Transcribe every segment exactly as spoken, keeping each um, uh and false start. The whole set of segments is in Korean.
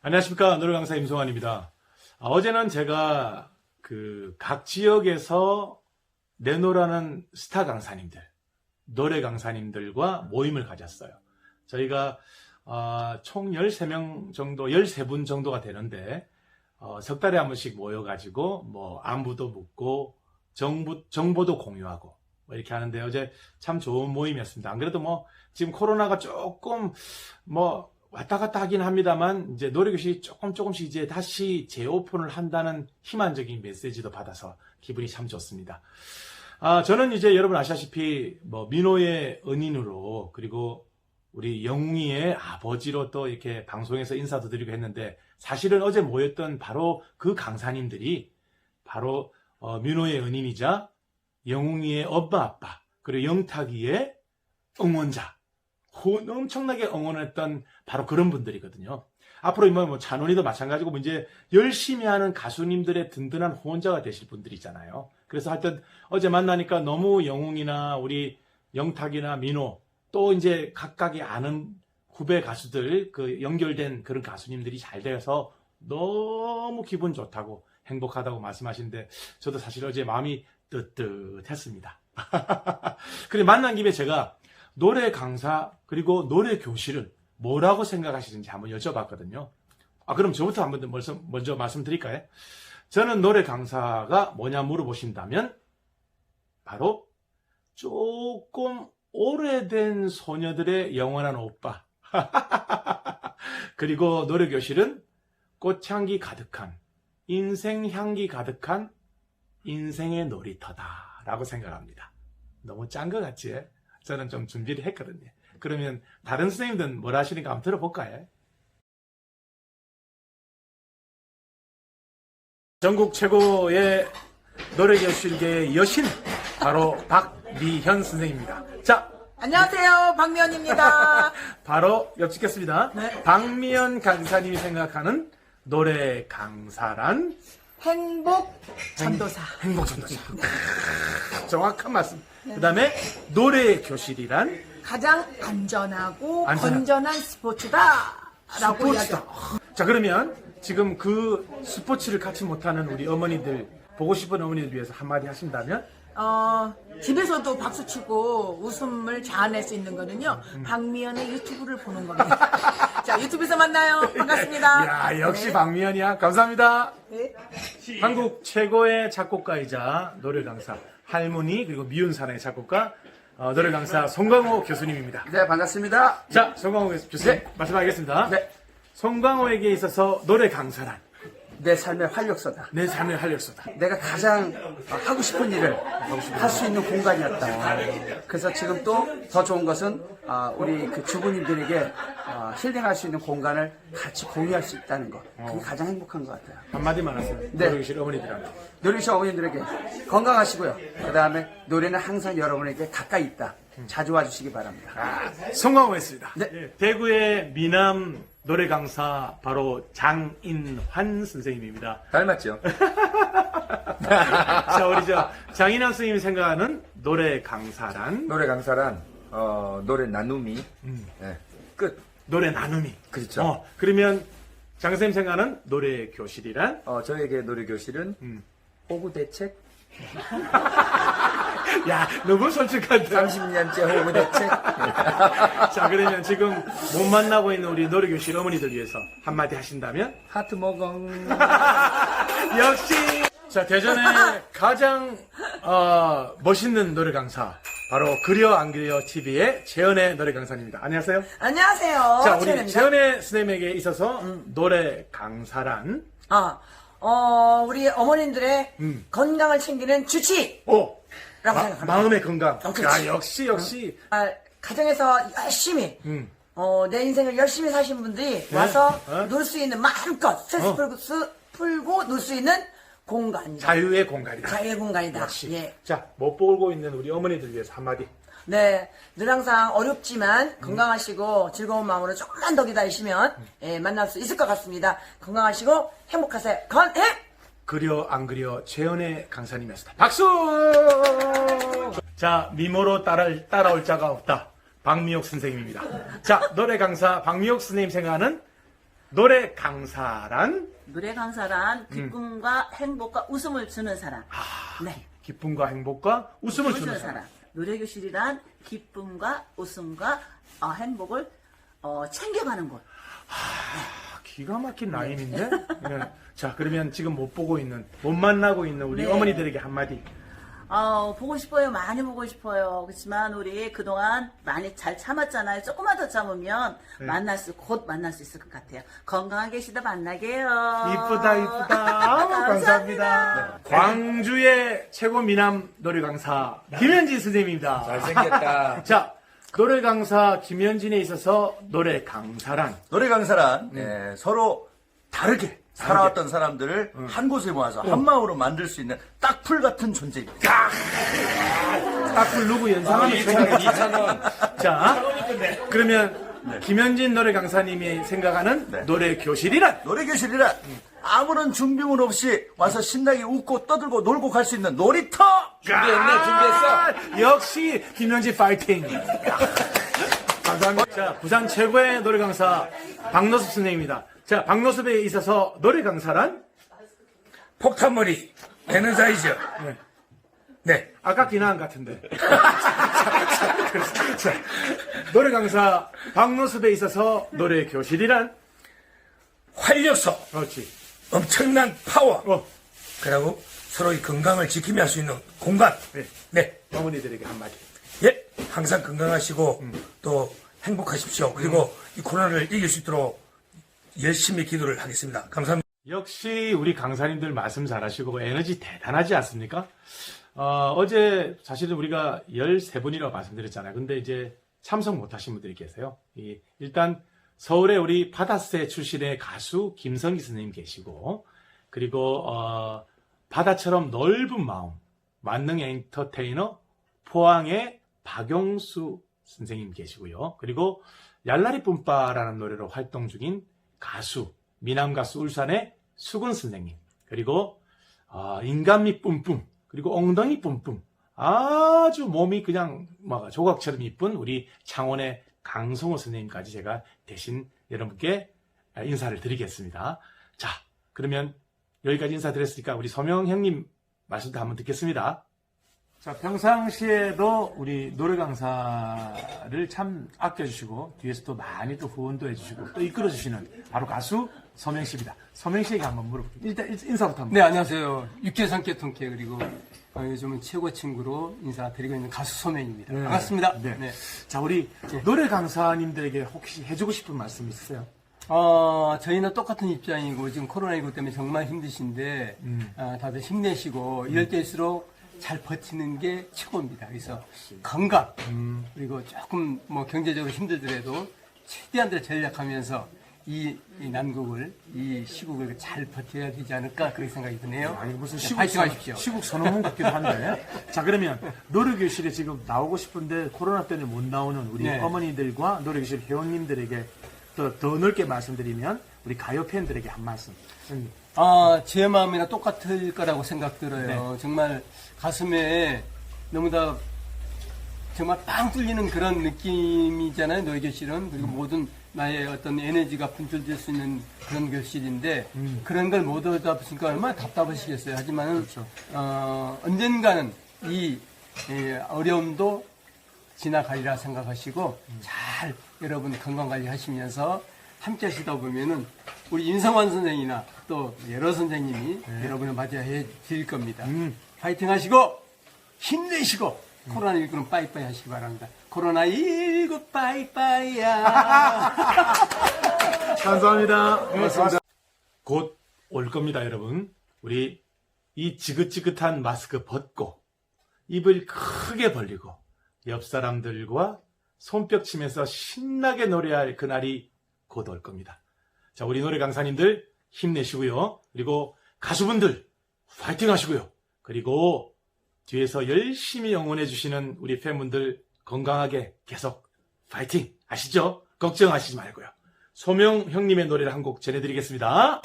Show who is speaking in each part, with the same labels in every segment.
Speaker 1: 안녕하십니까. 노래 강사 임송환입니다. 아, 어제는 제가 그 각 지역에서 내노라는 스타 강사님들, 노래 강사님들과 모임을 가졌어요. 저희가 어, 총 열세 명 정도, 열세 분 정도가 되는데 어, 석 달에 한 번씩 모여가지고 뭐 안부도 묻고 정보, 정보도 공유하고 뭐 이렇게 하는데 어제 참 좋은 모임이었습니다. 안 그래도 뭐 지금 코로나가 조금 뭐 왔다 갔다 하긴 합니다만 이제 노래교실이 조금 조금씩 이제 다시 재오픈을 한다는 희망적인 메시지도 받아서 기분이 참 좋습니다. 아, 저는 이제 여러분 아시다시피 뭐 민호의 은인으로 그리고 우리 영웅이의 아버지로 또 이렇게 방송에서 인사도 드리고 했는데 사실은 어제 모였던 바로 그 강사님들이 바로 어, 민호의 은인이자 영웅이의 엄마 아빠 그리고 영탁이의 응원자 엄청나게 응원했던 바로 그런 분들이거든요. 앞으로 뭐 찬원이도 마찬가지고 뭐 이제 열심히 하는 가수님들의 든든한 후원자가 되실 분들이잖아요. 그래서 하여튼 어제 만나니까 너무 영웅이나 우리 영탁이나 민호 또 이제 각각이 아는 후배 가수들 그 연결된 그런 가수님들이 잘 되어서 너무 기분 좋다고 행복하다고 말씀하시는데 저도 사실 어제 마음이 뜨뜻했습니다. 그래 만난 김에 제가 노래 강사 그리고 노래 교실은 뭐라고 생각하시는지 한번 여쭤봤거든요. 아 그럼 저부터 한번 먼저, 먼저 말씀드릴까요? 저는 노래 강사가 뭐냐 물어보신다면 바로 조금 오래된 소녀들의 영원한 오빠 그리고 노래 교실은 꽃향기 가득한 인생 향기 가득한 인생의 놀이터다 라고 생각합니다. 너무 짠 것 같지? 저는 좀 준비를 했거든요. 그러면 다른 선생님들은 뭘 하시는가 한번 들어볼까요? 전국 최고의 노래교실계의 여신 바로 박미현 선생님입니다. 자,
Speaker 2: 안녕하세요, 박미연입니다.
Speaker 1: 바로 엽찍겠습니다.
Speaker 2: 네.
Speaker 1: 박미연 강사님이 생각하는 노래 강사란
Speaker 2: 행복 전도사.
Speaker 1: 행복 전도사. 정확한 말씀. 그 다음에 노래 교실이란
Speaker 2: 가장 안전하고
Speaker 1: 안전한-
Speaker 2: 건전한 스포츠다. 라고
Speaker 1: 스포츠다.
Speaker 2: 이야기합니다.
Speaker 1: 자 그러면 지금 그 스포츠를 같이 못하는 우리 어머니들 보고 싶은 어머니들 위해서 한마디 하신다면
Speaker 2: 어, 집에서도 박수 치고 웃음을 자아낼 수 있는 거는요, 박미연의 유튜브를 보는 겁니다. 자, 유튜브에서 만나요. 반갑습니다.
Speaker 1: 야 역시
Speaker 2: 네.
Speaker 1: 박미연이야. 감사합니다.
Speaker 2: 네.
Speaker 1: 한국 최고의 작곡가이자 노래 강사 할머니 그리고 미운 사랑의 작곡가 어, 노래 강사 송광호 교수님입니다.
Speaker 3: 네, 반갑습니다.
Speaker 1: 자 송광호 교수님
Speaker 3: 네.
Speaker 1: 말씀하겠습니다.
Speaker 3: 네,
Speaker 1: 송광호에게 있어서 노래 강사란
Speaker 3: 내 삶의 활력소다.
Speaker 1: 내 삶의 활력소다.
Speaker 3: 내가 가장 하고 싶은 일을 할 수 있는 공간이었다. 그래서 지금 또 더 좋은 것은 아, 우리 그 주부님들에게 아, 힐링할 수 있는 공간을 같이 공유할 수 있다는 것. 그게 가장 행복한 것 같아요.
Speaker 1: 한마디만 하세요.
Speaker 3: 네.
Speaker 1: 노래 교실 어머니들한테.
Speaker 3: 노래교실 어머님들에게 건강하시고요. 그 다음에 노래는 항상 여러분에게 가까이 있다. 자주 와주시기 바랍니다.
Speaker 1: 송광호였습니다.
Speaker 3: 네.
Speaker 1: 예, 대구의 미남 노래 강사 바로 장인환 선생님입니다.
Speaker 4: 닮았죠?
Speaker 1: 자 우리 저 장인환 선생님이 생각하는 노래 강사란
Speaker 4: 노래 강사란 어, 노래 나눔이 예, 끝.
Speaker 1: 노래 나눔이.
Speaker 4: 그렇죠.
Speaker 1: 어, 그러면 장 선생님 생각하는 노래 교실이란
Speaker 4: 어, 저에게 노래 교실은
Speaker 1: 음.
Speaker 4: 호구 대책
Speaker 1: 야 너무 솔직한데.
Speaker 4: 삼십 년째 호구 대책.
Speaker 1: 자 그러면 지금 못 만나고 있는 우리 노래 교실 어머니들 위해서 한마디 하신다면
Speaker 4: 하트 먹엉.
Speaker 1: 역시 자 대전의 가장 어, 멋있는 노래 강사 바로 그려 안 그려 티비의 재현의 노래 강사입니다. 안녕하세요.
Speaker 2: 안녕하세요.
Speaker 1: 자 우리
Speaker 2: 최연입니다.
Speaker 1: 재현의 선생님에게 있어서 노래 강사란
Speaker 2: 아, 어, 우리 어머님들의
Speaker 1: 음.
Speaker 2: 건강을 챙기는 주치!
Speaker 1: 오
Speaker 2: 라고
Speaker 1: 마,
Speaker 2: 생각합니다.
Speaker 1: 마음의 건강.
Speaker 2: 어, 그렇지.
Speaker 1: 야 역시 역시
Speaker 2: 아, 가정에서 열심히
Speaker 1: 음.
Speaker 2: 어, 내 인생을 열심히 사신 분들이 와서
Speaker 1: 어?
Speaker 2: 놀 수 있는 마음껏 스트레스
Speaker 1: 어.
Speaker 2: 풀고, 수- 풀고 놀 수 있는 공간이다.
Speaker 1: 자유의 공간이다.
Speaker 2: 자유의 공간이다.
Speaker 1: 역시.
Speaker 2: 예.
Speaker 1: 자, 못 보고 있는 우리 어머니들 위해서 한마디.
Speaker 2: 네, 늘 항상 어렵지만 건강하시고 즐거운 마음으로 조금만 더 기다리시면 예, 만날 수 있을 것 같습니다. 건강하시고 행복하세요. 건행!
Speaker 1: 그려 안 그려 재현의 강사님이었습니다. 박수! 자, 미모로 따라, 따라올 자가 없다. 박미옥 선생님입니다. 자, 노래 강사 박미옥 선생님 생각하는 노래 강사란
Speaker 5: 노래 강사란 기쁨과 행복과 웃음을 주는 사람. 네.
Speaker 1: 기쁨과 행복과 웃음을 주는 사람.
Speaker 5: 노래 교실이란 기쁨과 웃음과 어, 행복을 어, 챙겨가는 곳.
Speaker 1: 아, 기가 막힌 라임인데? 네. 자, 그러면 지금 못 보고 있는, 못 만나고 있는 우리
Speaker 5: 네.
Speaker 1: 어머니들에게 한마디.
Speaker 5: 어, 보고 싶어요. 많이 보고 싶어요. 그렇지만 우리 그동안 많이 잘 참았잖아요. 조금만 더 참으면
Speaker 1: 네.
Speaker 5: 만날 수, 곧 만날 수 있을 것 같아요. 건강하게 계시다 만나게요.
Speaker 1: 이쁘다, 이쁘다. 아우, 감사합니다. 광주의 최고 미남 노래 강사, 김현진 선생님입니다.
Speaker 4: 잘생겼다.
Speaker 1: 자, 노래 강사 김현진에 있어서 노래 강사란.
Speaker 6: 노래 강사란 예, 서로 다르게 살아왔던 사람들을 한 곳에 모아서 한 마음으로 만들 수 있는 딱풀 같은 존재입니다.
Speaker 1: 딱 부르고 연상하면
Speaker 4: 이천 원.
Speaker 1: 자, 그러면 김현진 노래 강사님이 생각하는
Speaker 6: 네.
Speaker 1: 노래 교실이란?
Speaker 6: 노래 교실이란 아무런 준비물 없이 와서 신나게 웃고 떠들고 놀고 갈 수 있는 놀이터.
Speaker 4: 준비했네, 준비했어.
Speaker 1: 아, 역시 김현진 파이팅. 감사합니다. 자, 부산 최고의 노래 강사 박노섭 선생님입니다. 자, 박노섭에 있어서 노래 강사란?
Speaker 7: 폭탄머리, 에너자이저.
Speaker 1: 네.
Speaker 7: 네.
Speaker 1: 아까 기나한 같은데. 자, 노래 강사 박노섭에 있어서 노래 교실이란?
Speaker 7: 활력소,
Speaker 1: 그렇지.
Speaker 7: 엄청난 파워.
Speaker 1: 어,
Speaker 7: 그리고 서로의 건강을 지키며 할 수 있는 공간.
Speaker 1: 네.
Speaker 7: 네.
Speaker 1: 어머니들에게 한마디.
Speaker 7: 예. 항상 건강하시고 또 행복하십시오. 그리고 이 코로나를 이길 수 있도록 열심히 기도를 하겠습니다. 감사합니다.
Speaker 1: 역시 우리 강사님들 말씀 잘하시고 에너지 대단하지 않습니까? 어, 어제 사실은 우리가 열세 분이라고 말씀드렸잖아요. 근데 이제 참석 못하신 분들이 계세요. 이, 일단 서울에 우리 바다새 출신의 가수 김성기 선생님 계시고, 그리고 어, 바다처럼 넓은 마음 만능 엔터테이너 포항의 박용수 선생님 계시고요. 그리고 얄라리 뿜빠라는 노래로 활동 중인 가수 미남 가수 울산의 수근 선생님, 그리고 어, 인간미 뿜뿜, 그리고 엉덩이 뿜뿜, 아주 몸이 그냥 막 조각처럼 이쁜 우리 창원의 강성호 선생님까지 제가 대신 여러분께 인사를 드리겠습니다. 자, 그러면 여기까지 인사드렸으니까 우리 소명 형님 말씀도 한번 듣겠습니다. 자, 평상시에도 우리 노래 강사를 참 아껴주시고 뒤에서 또 많이 또 후원도 해주시고 또 이끌어주시는 바로 가수 서명 씨입니다. 서명 씨에게 한번 물어볼게요. 일단 인사부터 한번.
Speaker 8: 네, 안녕하세요. 육개상계 통쾌 그리고 어, 요즘은 최고 친구로 인사드리고 있는 가수 소명입니다.
Speaker 1: 네.
Speaker 8: 반갑습니다.
Speaker 1: 네.
Speaker 8: 네.
Speaker 1: 자, 우리 노래 강사님들에게 혹시 해주고 싶은 말씀 있으세요?
Speaker 8: 어, 저희는 똑같은 입장이고 지금 코로나십구 때문에 정말 힘드신데
Speaker 1: 음.
Speaker 8: 어, 다들 힘내시고 이럴 때일수록 잘 버티는 게 최고입니다. 그래서 건강
Speaker 1: 음.
Speaker 8: 그리고 조금 뭐 경제적으로 힘들더라도 최대한 더 전략하면서 이, 이 난국을 이 시국을 잘 버텨야 되지 않을까 그렇게 생각이 드네요.
Speaker 1: 아니 무슨
Speaker 8: 네,
Speaker 1: 시국
Speaker 8: 파이팅
Speaker 1: 선-
Speaker 8: 하십시오.
Speaker 1: 시국 선언문 같기도 한데. 자, 그러면 노래교실에 지금 나오고 싶은데 코로나 때문에 못 나오는 우리
Speaker 8: 네.
Speaker 1: 어머니들과 노래교실 회원님들에게 또 더 넓게 말씀드리면 우리 가요 팬들에게 한 말씀. 음,
Speaker 8: 아, 제 마음이나 똑같을 거라고 생각 들어요.
Speaker 1: 네.
Speaker 8: 정말 가슴에 너무 다 정말 빵 뚫리는 그런 느낌이잖아요. 노래 교실은. 그리고 모든 나의 어떤 에너지가 분출될 수 있는 그런 교실인데 그런 걸 못 얻다 보니까 얼마나 답답하시겠어요. 하지만은 어, 언젠가는 이 예, 어려움도 지나가리라 생각하시고 잘 여러분 건강관리 하시면서 함께 하시다 보면은 우리 인성환 선생이나 또 여러 선생님이 여러분을 맞이해 드릴 겁니다. 파이팅 하시고 힘내시고 코로나십구는 빠이빠이 하시기 바랍니다. 코로나십구 빠이빠이야.
Speaker 1: 감사합니다. 고맙습니다. 곧 올 겁니다, 여러분. 우리 이 지긋지긋한 마스크 벗고 입을 크게 벌리고 옆 사람들과 손뼉 치면서 신나게 노래할 그날이 곧 올 겁니다. 자, 우리 노래 강사님들 힘내시고요. 그리고 가수분들 파이팅 하시고요. 그리고 뒤에서 열심히 응원해 주시는 우리 팬분들 건강하게 계속 파이팅 아시죠? 걱정하시지 말고요. 소명 형님의 노래를 한 곡 전해드리겠습니다.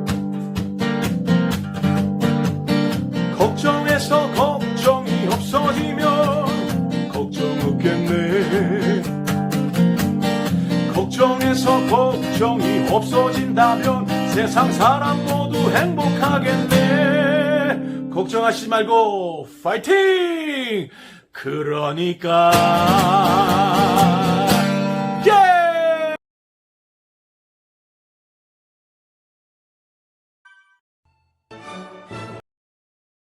Speaker 1: 걱정해서 걱정이 없어지면 걱정 없겠네. 걱정 걱정에서 걱정이 없어진다면 세상 사람 모두 행복하겠네. 걱정하지 말고 파이팅! 그러니까